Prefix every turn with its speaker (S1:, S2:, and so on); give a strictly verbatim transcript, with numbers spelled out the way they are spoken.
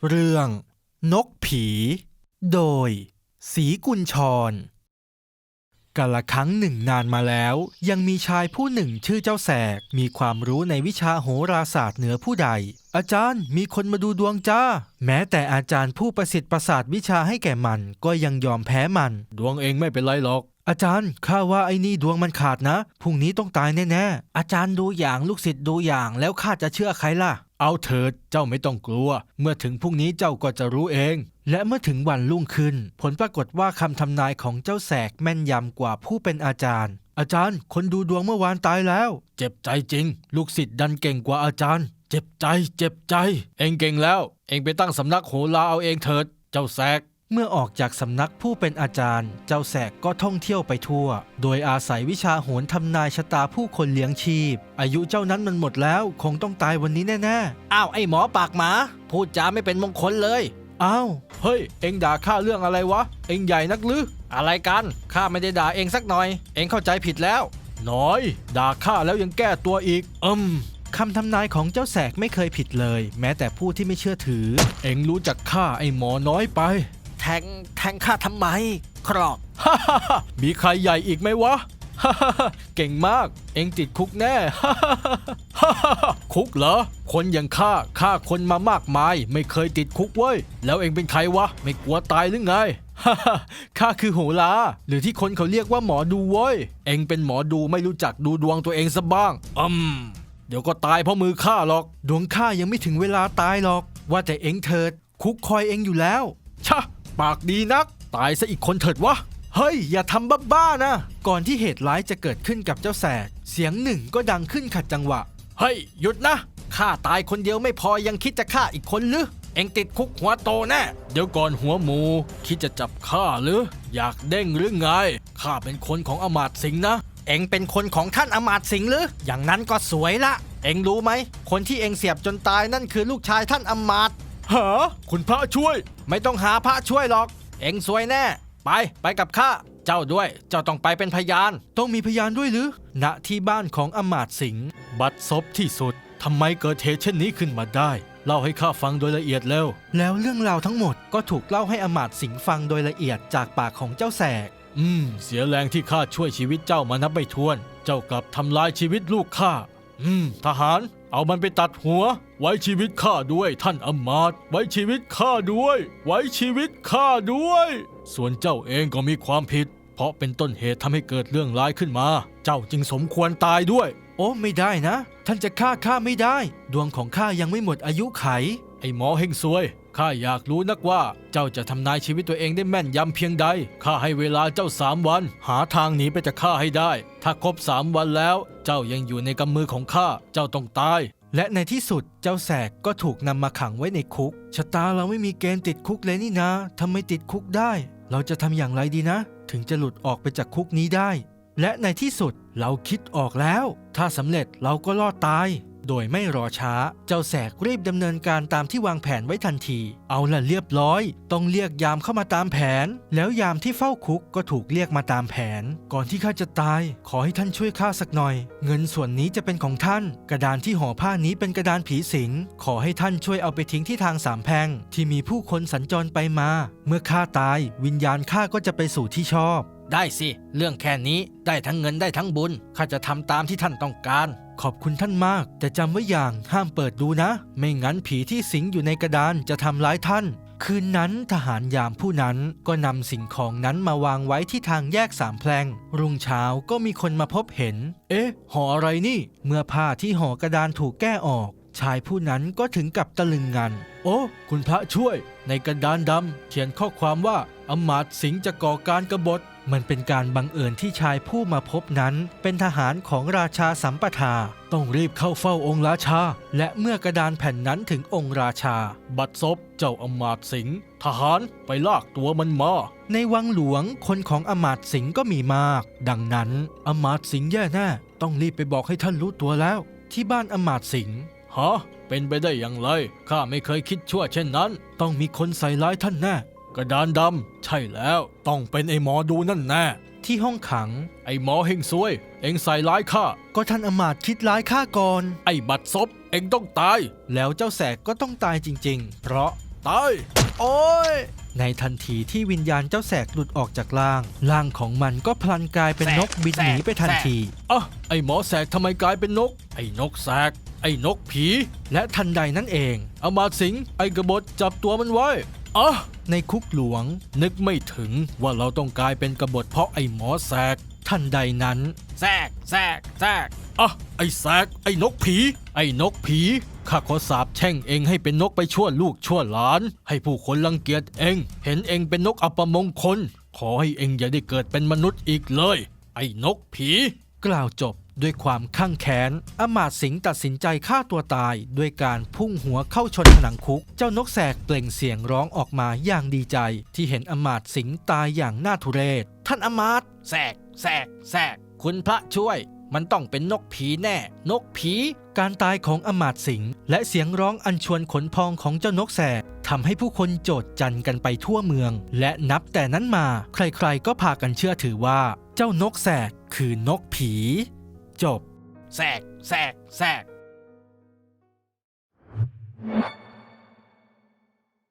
S1: เรื่องนกผี โดยศรีกุญชรกาลครั้งหนึ่งนานมาแล้วยังมีชายผู้หนึ่งชื่อเจ้าแสกมีความรู้ในวิชาโหราศาสตร์เหนือผู้ใดอาจารย์มีคนมาดูดวงจ้าแม้แต่อาจารย์ผู้ประสิทธิ์ประสาทวิชาให้แก่มันก็ยังยอมแพ้มัน
S2: ดวงเองไม่เป็นไรหรอก
S1: อาจารย์ข้าว่าไอ้นี่ดวงมันขาดนะพรุ่งนี้ต้องตายแน่ๆอาจารย์ดูอย่างลูกศิษย์ดูอย่างแล้วข้าจะเชื่อใครล่ะ
S2: เอาเถิดเจ้าไม่ต้องกลัวเมื่อถึงพรุ่งนี้เจ้าก็จะรู้เอง
S1: และเมื่อถึงวันรุ่งขึ้นผลปรากฏว่าคำทำนายของเจ้าแสกแม่นยำกว่าผู้เป็นอาจารย์อาจารย์คนดูดวงเมื่อวานตายแล้ว
S2: เจ็บใจจริงลูกศิษย์ดันเก่งกว่าอาจารย์เจ็บใจเจ็บใจเองเก่งแล้วเองไปตั้งสำนักโหราเอาเองเถิดเจ้าแสก
S1: เมื่อออกจากสำนักผู้เป็นอาจารย์เจ้าแสกก็ท่องเที่ยวไปทั่วโดยอาศัยวิชาโหรทำนายชะตาผู้คนเลี้ยงชีพอายุเจ้านั้นมันหมดแล้วคงต้องตายวันนี้แน่
S3: ๆอ้าวไอ้หมอปากหมาพูดจาไม่เป็นมงคลเลย
S1: อ้าว
S2: เฮ้ยเอ็งด่าข้าเรื่องอะไรวะเอ็งใหญ่นักหรือ
S3: อะไรกันข้าไม่ได้ด่าเองสักหน่อยเองเข้าใจผิดแล้ว
S2: น้อยด่าข้าแล้วยังแก้ตัวอีกอืม
S1: คำทำนายของเจ้าแสกไม่เคยผิดเลยแม้แต่ผู้ที่ไม่เชื่อถือ
S2: เอ็งรู้จักข้าไอ้หมอน้อยไป
S3: แทงแทงข้าทำไมครอบ
S2: มีใครใหญ่อีกไหมวะเก่งมากเอ็งติดคุกแน่คุกเหรอคนอย่างข้าฆ่าคนมามากมายไม่เคยติดคุกเว้ยแล้วเอ็งเป็นใครวะไม่กลัวตายหรือไง
S1: ข้าคือโหราหรือที่คนเขาเรียกว่าหมอดูเว้ย
S2: เอ็งเป็นหมอดูไม่รู้จักดูดวงตัวเองซะบ้างอืมเดี๋ยวก็ตายเพราะมือข้าหรอก
S1: ดวงข้ายังไม่ถึงเวลาตายหรอกว่าแต่เอ็งเถิดคุกคอยเอ็งอยู่แล้ว
S2: ชะปากดีนักตายซะอีกคนเถิดวะ
S1: เฮ้ยอย่าทำบ้าๆนะก่อนที่เหตุร้ายจะเกิดขึ้นกับเจ้าแสกเสียงหนึ่งก็ดังขึ้นขัดจังหวะ
S3: เฮ้ยหยุดนะข้าตายคนเดียวไม่พอยังคิดจะฆ่าอีกคนหรือเอ็งติดคุกหัวโตแน่
S2: เดี๋ยวก่อนหัวหมูคิดจะจับข้าหรืออยากเด้งหรือไงข้าเป็นคนของอมาตย์สิงห์นะ
S3: เอ็งเป็นคนของท่านอมาตย์สิงห์หรืออย่างนั้นก็สวยละเอ็งรู้ไหมคนที่เอ็งเสียบจนตายนั่นคือลูกชายท่านอมาตย์
S2: หาคุณพระช่วย
S3: ไม่ต้องหาพระช่วยหรอกเอ็งสวยแน่ไปไปกับข้าเจ้าด้วยเจ้าต้องไปเป็นพยาน
S1: ต้องมีพยานด้วยหรือณที่บ้านของอมาตย์สิงห์
S2: บัดซบที่สุดทำไมเกิดเหตุเช่นนี้ขึ้นมาได้เล่าให้ข้าฟังโดยละเอียดแล้ว
S1: แล้วเรื่องราวทั้งหมดก็ถูกเล่าให้อมาตย์สิงห์ฟังโดยละเอียดจากปากของเจ้าแสก
S2: อืมเสียแรงที่ข้าช่วยชีวิตเจ้ามานับไม่ถ้วนเจ้ากลับทำลายชีวิตลูกข้าอืมทหารเอามันไปตัดหัวไว้ชีวิตข้าด้วยท่านอมาตย์ไว้ชีวิตข้าด้วยไว้ชีวิตข้าด้วยส่วนเจ้าเองก็มีความผิดเพราะเป็นต้นเหตุทำให้เกิดเรื่องร้ายขึ้นมาเจ้าจึงสมควรตายด้วย
S1: โอ้ไม่ได้นะท่านจะฆ่าข้าไม่ได้ดวงของข้ายังไม่หมดอายุไข
S2: ไอ้หมอเฮงซวยข้าอยากรู้นักว่าเจ้าจะทำนายชีวิตตัวเองได้แม่นยำเพียงใดข้าให้เวลาเจ้าสามวันหาทางหนีไปจากข้าให้ได้ถ้าครบสามวันแล้วเจ้ายังอยู่ในกำมือของข้าเจ้าต้องตาย
S1: และในที่สุดเจ้าแสกก็ถูกนำมาขังไว้ในคุกชะตาเราไม่มีเกณฑ์ติดคุกเลยนี่นะทำไมติดคุกได้เราจะทำอย่างไรดีนะถึงจะหลุดออกไปจากคุกนี้ได้และในที่สุดเราคิดออกแล้วถ้าสำเร็จเราก็รอดตายโดยไม่รอช้าเจ้าแสกรีบดำเนินการตามที่วางแผนไว้ทันทีเอาล่ะเรียบร้อยต้องเรียกยามเข้ามาตามแผนแล้วยามที่เฝ้าคุกก็ถูกเรียกมาตามแผนก่อนที่ข้าจะตายขอให้ท่านช่วยข้าสักหน่อยเงินส่วนนี้จะเป็นของท่านกระดานที่ห่อผ้านี้เป็นกระดานผีสิงขอให้ท่านช่วยเอาไปทิ้งที่ทางสามแพร่งที่มีผู้คนสัญจรไปมาเมื่อข้าตายวิญญาณข้าก็จะไปสู่ที่ชอบ
S3: ได้สิเรื่องแค่นี้ได้ทั้งเงินได้ทั้งบุญข้าจะทำตามที่ท่านต้องการ
S1: ขอบคุณท่านมากแต่จำไว้อย่างห้ามเปิดดูนะไม่งั้นผีที่สิงอยู่ในกระดานจะทำร้ายท่านคืนนั้นทหารยามผู้นั้นก็นำสิ่งของนั้นมาวางไว้ที่ทางแยกสามแพร่งรุ่งเช้าก็มีคนมาพบเห็นเอ๊ะห่ออะไรนี่เมื่อผ้าที่ห่อกระดานถูกแก้ออกชายผู้นั้นก็ถึงกับตะลึงงันโอ้คุณพระช่วยในกระดานดำเขียนข้อความว่าอมาตย์สิงห์จะก่อการกบฏมันเป็นการบังเอิญที่ชายผู้มาพบนั้นเป็นทหารของราชาสัมปทาต้องรีบเข้าเฝ้าองค์ราชาและเมื่อกระดานแผ่นนั้นถึงองค์ราชา
S2: บัดซบเจ้าอมาตย์สิงห์ทหารไปลากตัวมันมา
S1: ในวังหลวงคนของอมาตย์สิงห์ก็มีมากดังนั้นอมาตย์สิงห์แย่แน่ต้องรีบไปบอกให้ท่านรู้ตัวแล้วที่บ้านอมาตย์สิงห์
S2: ฮะเป็นไปได้อย่างไรข้าไม่เคยคิดชั่วเช่นนั้น
S1: ต้องมีคนใส่ร้ายท่านแน่
S2: กระดานดำใช่แล้วต้องเป็นไอ้หมอดูนั่นแน่
S1: ที่ห้องขัง
S2: ไอ้หมอเฮงซวยเอ็งใส่ร้ายข้า
S1: ก็ท่านอมาตย์คิดร้ายข้าก่อน
S2: ไอ้บัดซบเอ็งต้องตาย
S1: แล้วเจ้าแสกก็ต้องตายจริงๆเพราะ
S2: ตาย
S3: โอ้ย
S1: ในทันทีที่วิญญาณเจ้าแสกหลุดออกจากร่างร่างของมันก็พลันกลายเป็น
S3: แสก
S1: นกบินหนีไปทัน
S3: แสก
S1: ที
S2: อ่ะไอ้หมอแสกทำไมกลายเป็นนก ไอ้นกแสก ไอ้นกผี
S1: และทันใดนั้นเอง
S2: อำมาตย์สิงห์ไอ้กบฏจับตัวมันไว้อ่ะ
S1: ในคุกหลวง
S2: นึกไม่ถึงว่าเราต้องกลายเป็นกบฏเพราะไอ้หมอแสก
S1: ทันใดนั้น
S3: แทรกแทรกแทรก
S2: อ่ะไอ้แสก ไอ้นกผี ไอ้นกผีข้าขอสาปแช่งเองให้เป็นนกไปชั่วลูกชั่วหลาน ให้ผู้คนรังเกียจเอง เห็นเองเป็นนกอัปมงคล ขอให้เองอย่าได้เกิดเป็นมนุษย์อีกเลย ไอ้นกผี
S1: กล่าวจบด้วยความข้างแค้นอำมาตย์สิงห์ตัดสินใจฆ่าตัวตายด้วยการพุ่งหัวเข้าชนผนังคุก เจ้านกแสกเปล่งเสียงร้องออกมาอย่างดีใจ ที่เห็นอำมาตย์สิงห์ตายอย่างน่าทุเรศ
S3: ท่านอำมาตย์แทรกแทรกแทรกคุณพระช่วย มันต้องเป็นนกผีแน่ นกผี
S1: การตายของอำมาตย์สิงห์และเสียงร้องอัญชวนขนพองของเจ้านกแสกทำให้ผู้คนโจษจันกันไปทั่วเมือง และนับแต่นั้นมาใครๆก็พากันเชื่อถือว่า เจ้านกแสกคือนกผี จบ
S3: แทรกแทรกแทรก